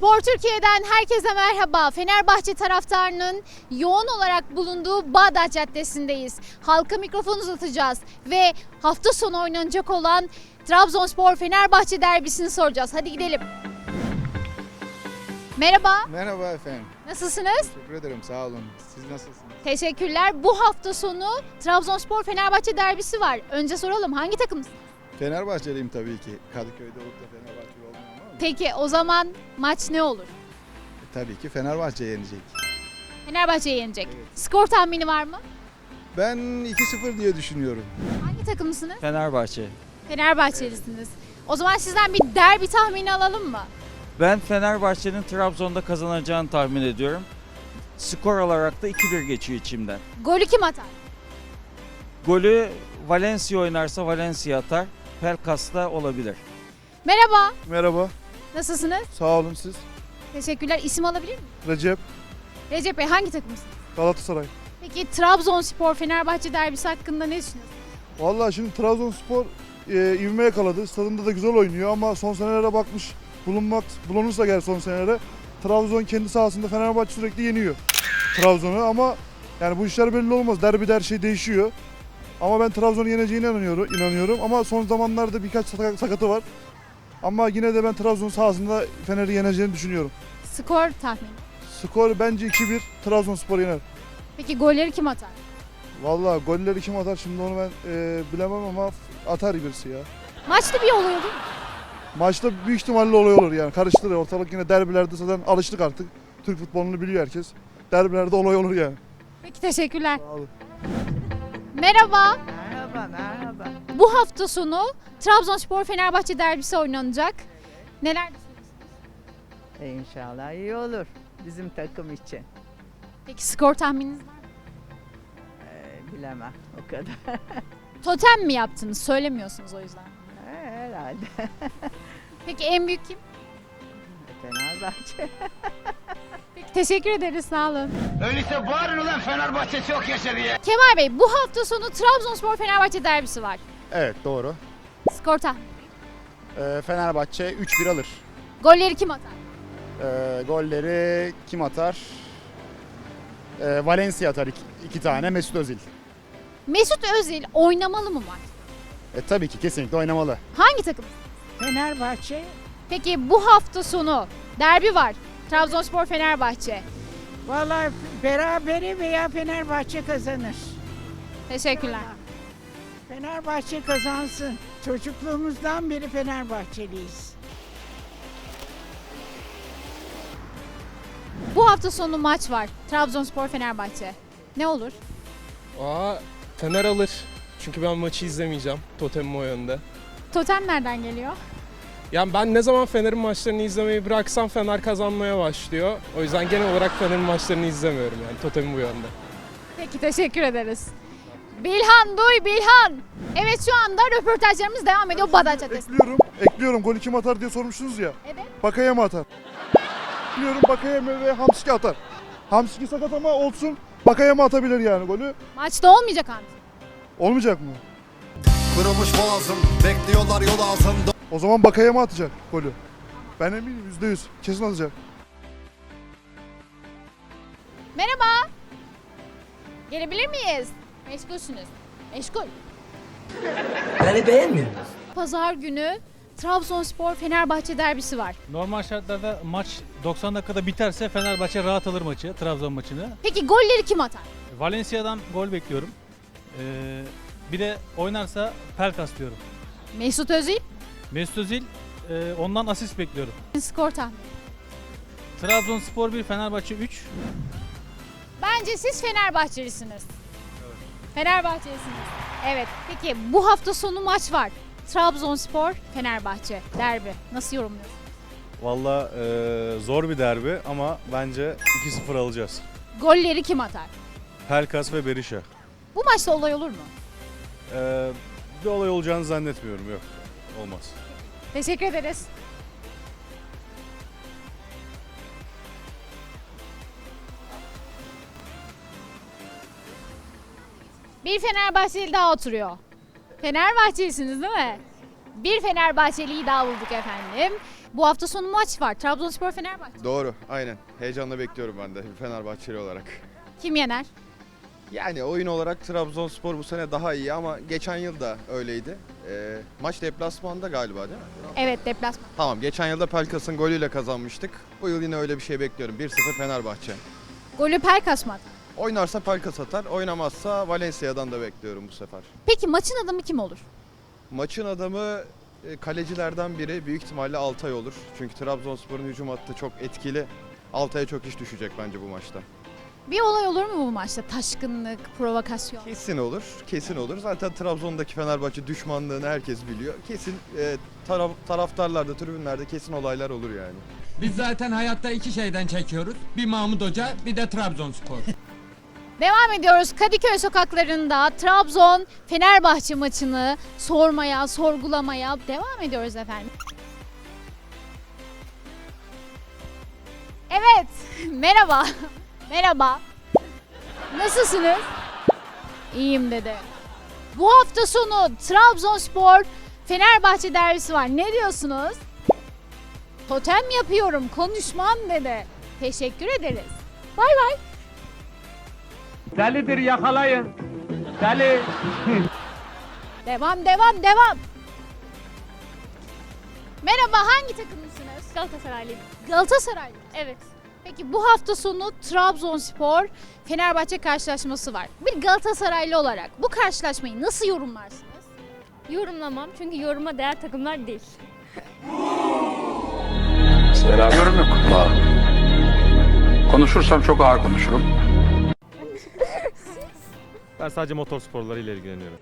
Spor Türkiye'den herkese merhaba. Fenerbahçe taraftarının yoğun olarak bulunduğu Bağdat Caddesi'ndeyiz. Halka mikrofon uzatacağız ve hafta sonu oynanacak olan Trabzonspor-Fenerbahçe derbisini soracağız. Hadi gidelim. Merhaba, Merhaba efendim. nasılsınız? Teşekkür ederim. Sağ olun. Siz nasılsınız? Teşekkürler. Bu hafta sonu Trabzonspor-Fenerbahçe derbisi var. Önce soralım, hangi takımsınız? Fenerbahçeliyim tabii ki. Kadıköy'de olup da Fenerbahçe olmuyor ama Peki o zaman maç ne olur? tabii ki Fenerbahçe yenecek. Fenerbahçe yenecek. Evet. Skor tahmini var mı? Ben 2-0 diye düşünüyorum. Hangi takımsınız? Fenerbahçe. Fenerbahçelisiniz. O zaman sizden bir derbi tahmini alalım mı? Ben Fenerbahçe'nin Trabzon'da kazanacağını tahmin ediyorum. Skor olarak da 2-1 geçiyor içimden. Golü kim atar? Golü Valencia oynarsa Valencia atar. Pelkas da olabilir. Merhaba, Merhaba, nasılsınız? sağ olun siz. Teşekkürler. İsim alabilir miyim? Recep, Recep Bey, hangi takımsınız? Galatasaray. Peki Trabzonspor-Fenerbahçe derbisi hakkında ne düşünüyorsunuz? Vallahi şimdi Trabzonspor ivme yakaladı. Stadında da güzel oynuyor ama son senelere bakmış bulunursa gel son senelere. Trabzon kendi sahasında Fenerbahçe sürekli yeniyor Trabzon'u ama yani bu işler belli olmaz. Derbide her şey değişiyor. Ama ben Trabzon'u yeneceğine inanıyorum ama son zamanlarda birkaç sakatı var. Ama yine de ben Trabzon sahasında Fener'i yeneceğini düşünüyorum. Skor tahmini. Skor bence 2-1 Trabzonspor yener. Peki golleri kim atar? Vallahi golleri kim atar şimdi onu ben bilemem ama atar birisi ya. Maçta bir oluyor değil mi? Maçta büyük ihtimalle olay olur yani karıştırır ortalık yine derbilerde zaten alıştık artık. Türk futbolunu biliyor herkes. Derbilerde olay olur yani. Peki teşekkürler. Sağ olun. Merhaba. Merhaba. Bu hafta sonu Trabzonspor-Fenerbahçe derbisi oynanacak. Neler düşünüyorsunuz? İnşallah iyi olur bizim takım için. Peki skor tahmininiz var mı? Bilemem o kadar. Totem mi yaptınız? Söylemiyorsunuz o yüzden. Herhalde. Peki en büyük kim? Fenerbahçe. Peki teşekkür ederiz. Sağ olun. Öyleyse bağırın ulan Fenerbahçe çok yaşa diye. Kemal Bey, bu hafta sonu Trabzonspor-Fenerbahçe derbisi var. Evet doğru. Skor tahmini. Fenerbahçe 3-1 alır. Golleri kim atar? Golleri kim atar? Valencia atar iki tane. Mesut Özil. Mesut Özil oynamalı mı maç? Tabii ki kesinlikle oynamalı. Hangi takım? Fenerbahçe. Peki bu hafta sonu derbi var. Trabzonspor-Fenerbahçe. Vallahi berabere veya Fenerbahçe kazanır. Teşekkürler. Fenerbahçe kazansın. Çocukluğumuzdan beri Fenerbahçeliyiz. Bu hafta sonu maç var. Trabzonspor-Fenerbahçe. Ne olur? Fener alır. Çünkü ben maçı izlemeyeceğim. Totemim o yönde. Totem nereden geliyor? Yani ben ne zaman Fener'in maçlarını izlemeyi bıraksam Fener kazanmaya başlıyor. O yüzden genel olarak Fener'in maçlarını izlemiyorum yani. Totemim bu yönde. Peki teşekkür ederiz. Bilhan, duy Bilhan. Evet, şu anda röportajlarımız devam ediyor Bağdat Caddesi'nde. Ekliyorum golü kim atar diye sormuşsunuz ya. Evet. Bakayeme atar. Ekliyorum Bakayeme ve Hamsiki atar. Hamsiki sakat ama olsun. Bakayeme atabilir yani golü. Maçta olmayacak Hamdi. Olmayacak mı? Kırılmış boğazım, bekliyorlar yol altında. O zaman Bakayeme atacak golü. Ben eminim %100 kesin atacak. Merhaba. Gelebilir miyiz? Meşgulsünüz. Meşgul. Beni beğenmiyor musun? Pazar günü Trabzonspor-Fenerbahçe derbisi var. Normal şartlarda maç 90 dakikada biterse Fenerbahçe rahat alır maçı, Trabzon maçını. Peki golleri kim atar? Valencia'dan gol bekliyorum. Bir de oynarsa Pelkas diyorum. Mesut Özil. Mesut Özil, ondan asist bekliyorum. Skor tahmini. Trabzonspor 1, Fenerbahçe 3. Bence siz Fenerbahçelisiniz. Evet. Fenerbahçelisiniz. Evet. Peki bu hafta sonu maç var. Trabzonspor-Fenerbahçe derbi. Nasıl yorumluyorsunuz? Valla zor bir derbi ama bence 2-0 alacağız. Golleri kim atar? Pelkas ve Berisha. Bu maçta olay olur mu? Bir olay olacağını zannetmiyorum, yok. Olmaz. Teşekkür ederiz. Bir Fenerbahçeli daha oturuyor. Fenerbahçelisiniz değil mi? Bir Fenerbahçeliyi daha bulduk efendim. Bu hafta sonu maç var. Trabzonspor Fenerbahçe. Doğru, aynen. Heyecanla bekliyorum ben de Fenerbahçeli olarak. Kim yener? Yani oyun olarak Trabzonspor bu sene daha iyi ama geçen yıl da öyleydi. Maç deplasmanda galiba değil mi? Evet, deplasman. Tamam, geçen yılda Pelkas'ın golüyle kazanmıştık. Bu yıl yine öyle bir şey bekliyorum. 1-0 Fenerbahçe. Golü Pelkas mı atar? Oynarsa Pelkas atar, oynamazsa Valencia'dan da bekliyorum bu sefer. Peki maçın adamı kim olur? Maçın adamı kalecilerden biri büyük ihtimalle Altay olur. Çünkü Trabzonspor'un hücum hattı çok etkili. Altay'a çok iş düşecek bence bu maçta. Bir olay olur mu bu maçta? Taşkınlık, provokasyon. Kesin olur, kesin olur. Zaten Trabzon'daki Fenerbahçe düşmanlığını herkes biliyor. Kesin taraftarlarda, tribünlerde kesin olaylar olur yani. Biz zaten hayatta iki şeyden çekiyoruz. Bir Mahmut Hoca, bir de Trabzonspor. Devam ediyoruz Kadıköy sokaklarında Trabzon Fenerbahçe maçını sormaya, sorgulamaya devam ediyoruz efendim. Evet, merhaba. Merhaba. Nasılsınız? İyiyim dedi. Bu hafta sonu Trabzonspor Fenerbahçe derbisi var. Ne diyorsunuz? Totem yapıyorum, konuşmam dedi. Teşekkür ederiz. Bay bay. Delidir, yakalayın. Deli. Devam, devam, devam. Merhaba, hangi takımlısınız? Galatasaraylı. Galatasaray. Evet. Peki bu hafta sonu Trabzonspor Fenerbahçe karşılaşması var. Bir Galatasaraylı olarak bu karşılaşmayı nasıl yorumlarsınız? Yorumlamam çünkü yoruma değer takımlar değil. Yorum yok. Konuşursam çok ağır konuşurum. Ben sadece motor sporlarıyla ilgileniyorum.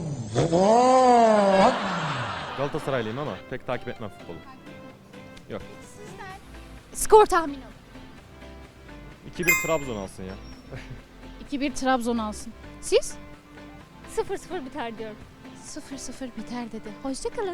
Galatasaraylıyım ama pek takip etmem futbolu. Yok. Skor tahmini. 2-1 Trabzon alsın ya. 2-1 Trabzon alsın. Siz? 0-0 biter diyorum. 0-0 biter dedi. Hoşçakalın.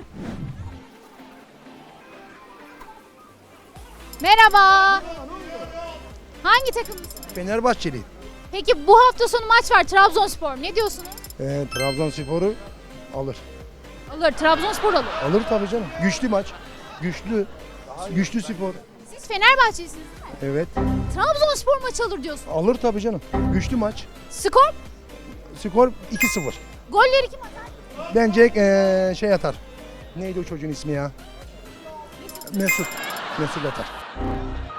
Merhaba. Hangi takımlısınız? Fenerbahçeli. Peki bu hafta sonu maç var Trabzonspor. Ne diyorsunuz? Trabzonspor'u alır. Alır. Trabzonspor alır. Alır tabii canım. Güçlü maç. Güçlü spor. Siz Fenerbahçelisiniz değil mi? Evet. Trabzonspor maç alır diyorsunuz. Alır tabii canım. Güçlü maç. Skor? Skor 2-0. Golleri kim atar? Bence şey atar. Neydi o çocuğun ismi ya? Mesut. Mesut atar.